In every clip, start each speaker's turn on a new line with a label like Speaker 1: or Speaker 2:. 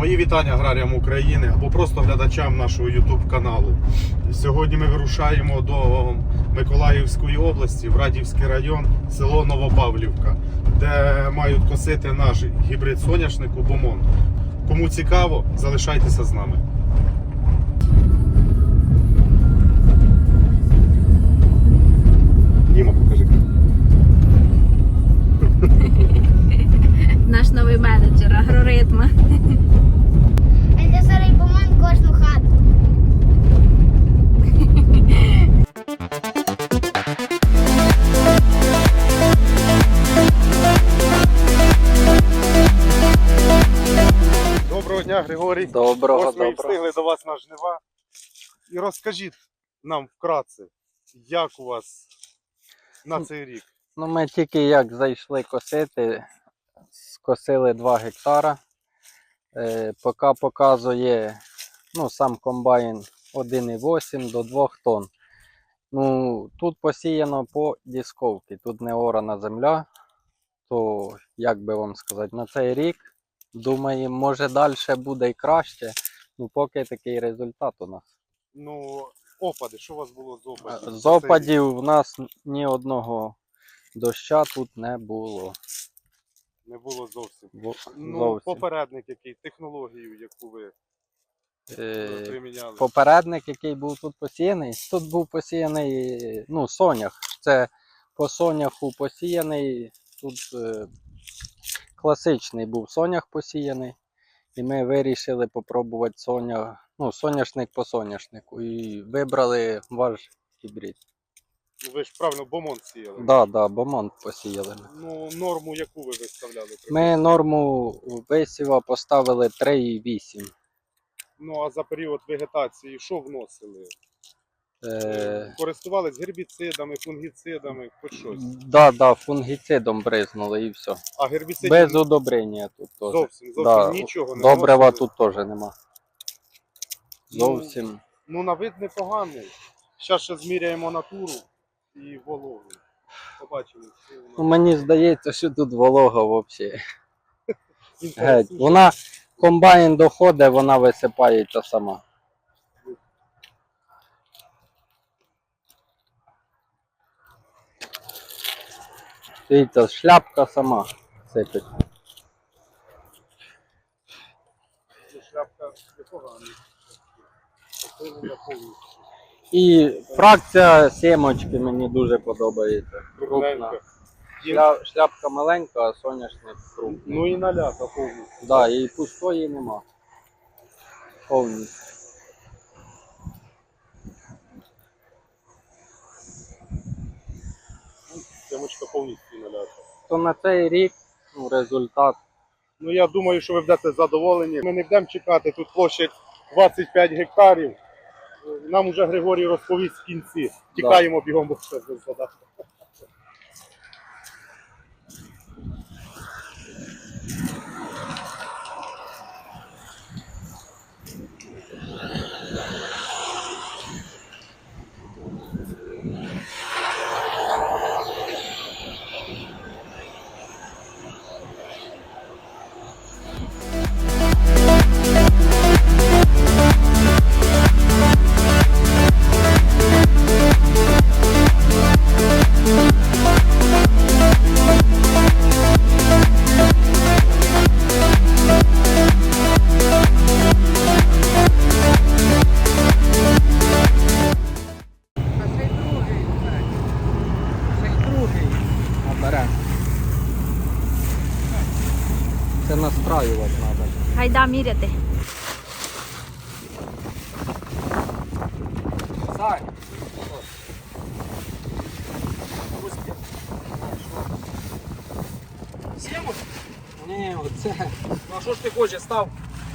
Speaker 1: Мої вітання аграріям України або просто глядачам нашого YouTube каналу. Сьогодні ми вирушаємо до Миколаївської області, в Радівський район, село Новопавлівка, де мають косити наш гібрид соняшнику Бомон. Кому цікаво, залишайтеся з нами. Діма, покажи.
Speaker 2: Наш новий менеджер агроритма.
Speaker 3: Це старий Бомон кожну хату.
Speaker 1: Доброго дня, Григорій.
Speaker 4: Доброго.
Speaker 1: Ось ми і встигли до вас на жнива. І розкажіть нам вкратце, як у вас на цей рік?
Speaker 4: Ну, ми тільки як зайшли косити, скосили 2 гектара. Поки показує сам комбайн 1,8 до 2 тонн. Ну, тут посіяно по дісковці, тут не орана земля. То, як би вам сказати, на цей рік, думаємо, може далі буде і краще. Ну, поки такий результат у нас.
Speaker 1: Ну, опади, що у вас було з опадів?
Speaker 4: З опадів в нас ні одного доща тут не було.
Speaker 1: Не було зовсім. Ну,
Speaker 4: Зовсім.
Speaker 1: попередник який, технологію, яку ви приміняли?
Speaker 4: Попередник, який був тут посіяний, тут був посіяний сонях. Це по соняху посіяний, тут класичний був сонях посіяний. І ми вирішили попробувати соняшник по соняшнику. І вибрали ваш гібрид.
Speaker 1: Ну, ви ж правильно Бомон сіяли?
Speaker 4: Так, Бомон посіяли ми.
Speaker 1: Ну, норму яку ви виставляли?
Speaker 4: Ми норму висіва поставили 3,8.
Speaker 1: Ну, а за період вегетації що вносили? Користувались гербіцидами, фунгіцидами, хоч щось?
Speaker 4: Да, фунгіцидом бризнули і все.
Speaker 1: А гербіцидів
Speaker 4: Без удобрення тут теж.
Speaker 1: зовсім
Speaker 4: Да,
Speaker 1: нічого не
Speaker 4: добрива
Speaker 1: вносили?
Speaker 4: тут теж нема. Зовсім.
Speaker 1: Ну, на вид непоганий. Зараз ще зміряємо натуру і вологу. Побачимо. Що вона.
Speaker 4: Ну, мені здається, що тут волога взагалі. Геть.
Speaker 1: Інтересніше.
Speaker 4: Вона, комбайн доходить, вона висипається сама. Дивіться, шляпка сама сипить.
Speaker 1: Шляпка непогана. Посилення повністю.
Speaker 4: І фракція сімочки мені дуже подобається. Крупна.
Speaker 1: Кругленька.
Speaker 4: Шляпка маленька, а соняшник крупний.
Speaker 1: Ну і налята повністю.
Speaker 4: Да, і пустої нема. Повністю.
Speaker 1: Сімочка повністю налята.
Speaker 4: То на цей рік результат.
Speaker 1: Ну, я думаю, що ви будете задоволені. Ми не будемо чекати, тут площа 25 гектарів. Нам уже Григорій розповість в кінці. Тікаємо бігом, бо все задати.
Speaker 4: Це настраювати треба.
Speaker 2: Гайда міряти.
Speaker 4: Сай.
Speaker 1: Сімочку?
Speaker 4: Ні, оце.
Speaker 1: Ну, а що ж ти хочеш, став?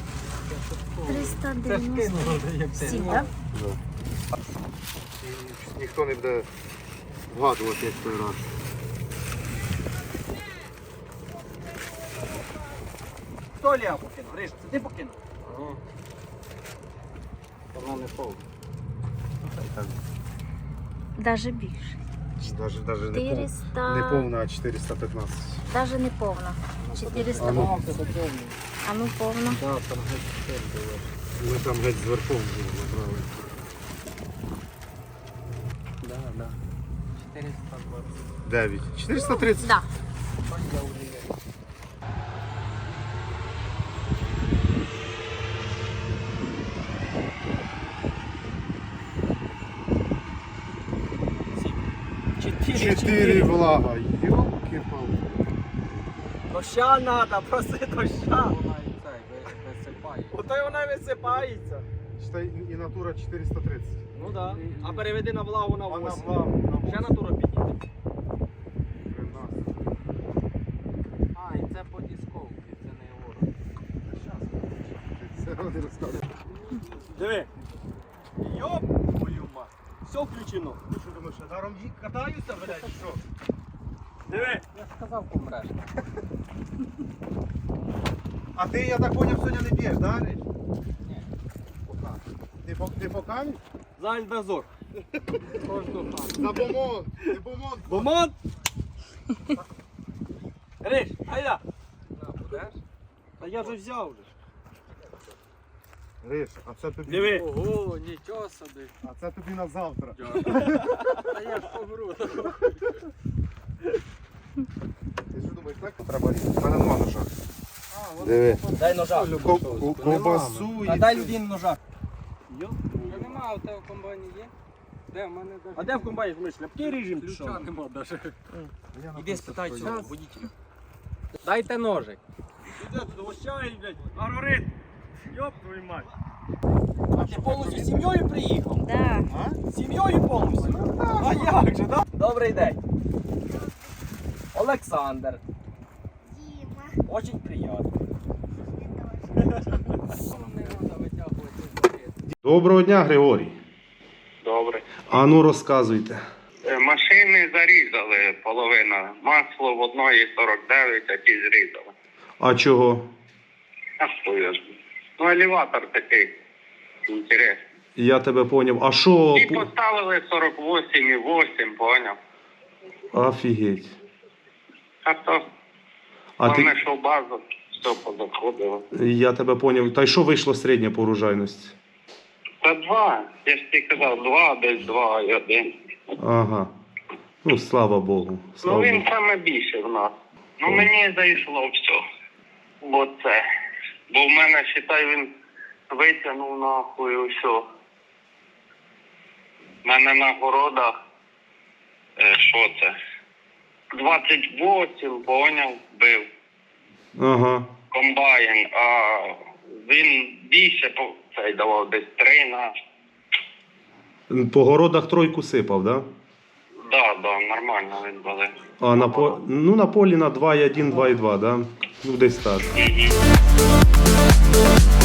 Speaker 2: 397, так?
Speaker 1: Ніхто не буде вгадувати, як той раз.
Speaker 5: Хто Лео покинув? Гриш, це ти покинув?
Speaker 4: Вона не повна.
Speaker 2: Даже більше.
Speaker 1: Даже не
Speaker 2: 400.
Speaker 1: повна, а 415.
Speaker 2: Даже не повна. 400.
Speaker 1: А ну.
Speaker 2: А ну повно.
Speaker 4: Да, там геть було.
Speaker 1: Ми там геть зверхом набрали.
Speaker 4: Да. 420.
Speaker 1: 9. 430?
Speaker 2: Да.
Speaker 4: Я вже є.
Speaker 1: Чотири влага. Йолки-палки.
Speaker 5: Доща треба, проси доща.
Speaker 4: Вона і цей висипає.
Speaker 5: Ото й вона висипається.
Speaker 1: Ще і натура 430.
Speaker 5: Ну так. А переведи на влагу на
Speaker 1: А на
Speaker 5: 8.
Speaker 1: влагу на
Speaker 5: Ще натура підійде.
Speaker 1: 13.
Speaker 4: А, і це по дисковці, це не ворог.
Speaker 1: Це вони розказують.
Speaker 5: Диви. Йоп, твою мать. Все включено.
Speaker 1: Ти що думаєш, я даром катаюся, блядь, чи що?
Speaker 5: Диви.
Speaker 4: Я ж сказав, помреш.
Speaker 1: А ти, я так поняв, сьогодні не б'єш, да, Рич?
Speaker 4: Ні, пока.
Speaker 1: Ти по камінь?
Speaker 5: Зальдозор.
Speaker 4: Кожну хату.
Speaker 1: За бомон. Ти бомон.
Speaker 5: Бомон. Риш, айда.
Speaker 4: На, будеш?
Speaker 5: Та я вже взяв вже.
Speaker 1: Риш, а це тобі.
Speaker 5: Диви.
Speaker 4: Ого, нічого собі.
Speaker 1: А це тобі на завтра.
Speaker 4: Та я ж помру.
Speaker 1: Ти що думаєш, так треба різати? У мене нема ножа. Диви.
Speaker 5: Дай ножа.
Speaker 1: Ковбасу
Speaker 5: А
Speaker 1: і
Speaker 5: дай
Speaker 1: цю-
Speaker 5: людині ножа.
Speaker 4: Я нема, а у тебе в комбайні є? Де? В мене даже...
Speaker 5: А де в комбайні ми шляпки ріжемо?
Speaker 4: Ключа нема даже.
Speaker 1: Я на
Speaker 5: Іди
Speaker 1: те,
Speaker 5: спитай
Speaker 1: що
Speaker 5: цього
Speaker 1: я-
Speaker 5: водителя.
Speaker 4: Дайте ножик.
Speaker 5: Іде туди, ощай, блядь, агрорит. Йоп твою мать. А ти повністю з сім'єю приїхав?
Speaker 2: Да.
Speaker 1: А?
Speaker 5: З сім'єю повністю? А як же, да? Добрий день. Олександр.
Speaker 3: Діма.
Speaker 5: Очень приємно.
Speaker 3: Це точно.
Speaker 4: Не треба витягувати з пакету.
Speaker 1: Доброго дня, Григорій.
Speaker 6: Добре.
Speaker 1: А ну розказуйте.
Speaker 6: Машини зарізали половина. Масло в одної 49, а ті зрізали.
Speaker 1: А чого?
Speaker 6: А що я ж? Ну, елеватор такий. Інтересний.
Speaker 1: Я тебе поняв. А що?
Speaker 6: І поставили 48,8, поняв?
Speaker 1: Офігеть.
Speaker 6: А то,
Speaker 1: А
Speaker 6: головне,
Speaker 1: ти...
Speaker 6: що в базу, все позаходило.
Speaker 1: Я тебе поняв. Та й що вийшло середня по урожайності?
Speaker 6: Та 2, я ж ти казав, 2, десь 2 і 1.
Speaker 1: Ага. Ну, слава Богу.
Speaker 6: Ну,
Speaker 1: Слава
Speaker 6: він
Speaker 1: Богу.
Speaker 6: саме більше в нас. Ну, мені зайшло все. Бо це. Бо в мене, считай, він витягнув нахуй усе. У мене на городах, що це? 28, поняв, бив
Speaker 1: Ага.
Speaker 6: комбайн, а він більше цей давав десь 3 на.
Speaker 1: По городах тройку сипав, да?
Speaker 6: Да, нормально він були.
Speaker 1: А на полі на 2,1, 2,2, да? Ну, десь так.
Speaker 6: Мгм.